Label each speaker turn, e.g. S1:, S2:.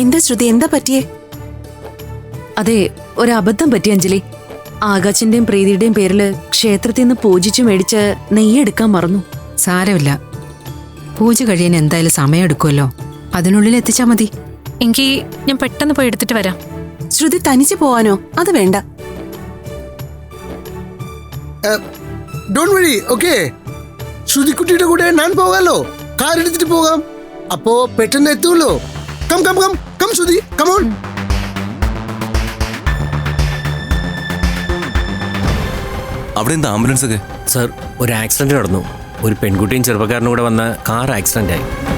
S1: എന്താ ശ്രുതി, എന്താ പറ്റിയേ?
S2: അതെ, ഒരബദ്ധം പറ്റി അഞ്ജലി. ആകാശിന്റെയും പ്രീതിയുടെയും പേരില് ക്ഷേത്രത്തിൽ നിന്ന് പൂജിച്ചു മേടിച്ച് നെയ്യെടുക്കാൻ മറന്നു.
S3: സാരമില്ല, പൂജ കഴിയാൻ എന്തായാലും സമയം എടുക്കുമല്ലോ. അതിനുള്ളിൽ എത്തിച്ചാ മതി.
S4: എങ്കിൽ ഞാൻ പെട്ടെന്ന് പോയി എടുത്തിട്ട് വരാം.
S1: ശ്രുതി തനിച്ച് പോവാനോ? അത് വേണ്ട.
S5: Don't worry, okay. ശ്രുതിക്കുട്ടിയുടെ കൂടെ ഞാൻ പോകാലോ. കാർ എടുത്തിട്ട് പോകാം. അപ്പോ പെട്ടെന്ന് എത്തുമല്ലോ. Come come come come Shruti, come on.
S6: അവിടെ എന്താ ആംബുലൻസ് ഒക്കെ?
S7: സർ, ഒരു ആക്സിഡന്റ് നടന്നു. ഒരു പെൺകുട്ടിയും ചെറുപ്പക്കാരനും കൂടെ വന്ന കാർ ആക്സിഡന്റ് ആയി.